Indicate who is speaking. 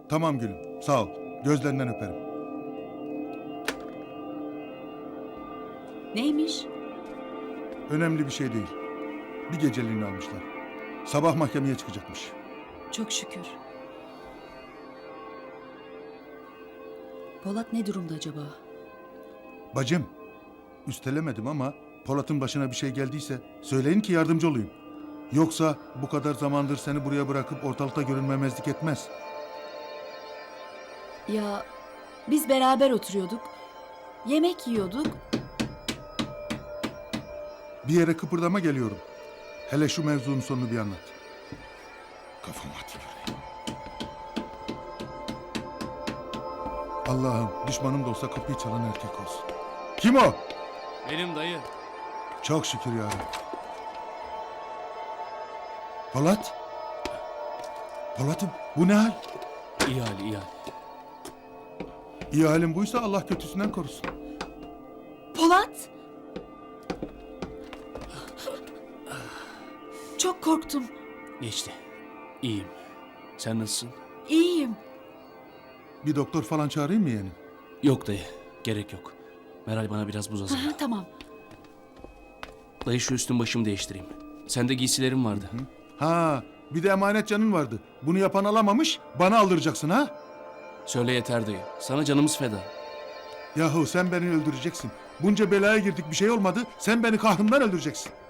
Speaker 1: Tamam gülüm, sağ ol. Gözlerinden öperim.
Speaker 2: Neymiş?
Speaker 1: Önemli bir şey değil. Bir geceliğini almışlar. Sabah mahkemeye çıkacakmış.
Speaker 2: Çok şükür. Polat ne durumda acaba?
Speaker 1: Bacım, üstelemedim ama Polat'ın başına bir şey geldiyse söyleyin ki yardımcı olayım. Yoksa bu kadar zamandır seni buraya bırakıp ortalıkta görünmemezlik etmez.
Speaker 2: Ya biz beraber oturuyorduk. Yemek yiyorduk.
Speaker 1: Bir yere kıpırdama, geliyorum. Hele şu mevzunun sonunu bir anlat. Kafam atıyor. Allah'ım, düşmanım da olsa kapıyı çalan erkek olsun. Kim o?
Speaker 3: Benim dayı.
Speaker 1: Çok şükür ya Rabbi. Polat? Polat'ım, bu ne hal?
Speaker 3: İyi hal, iyi hal.
Speaker 1: İyi halin buysa Allah kötüsünden korusun.
Speaker 2: Polat! Çok korktum.
Speaker 3: Geçti. İyiyim. Sen nasılsın?
Speaker 2: İyiyim.
Speaker 1: Bir doktor falan çağırayım mı yeğenim?
Speaker 3: Yok dayı. Gerek yok. Meral bana biraz buz hazırla.
Speaker 2: Aha, tamam.
Speaker 3: Dayı şu üstün başımı değiştireyim. Sende giysilerim vardı.
Speaker 1: Ha, bir de emanet canın vardı. Bunu yapan alamamış, bana aldıracaksın ha?
Speaker 3: Söyle yeter dayı. Sana canımız feda.
Speaker 1: Yahu sen beni öldüreceksin. Bunca belaya girdik, bir şey olmadı. Sen beni kahrımdan öldüreceksin.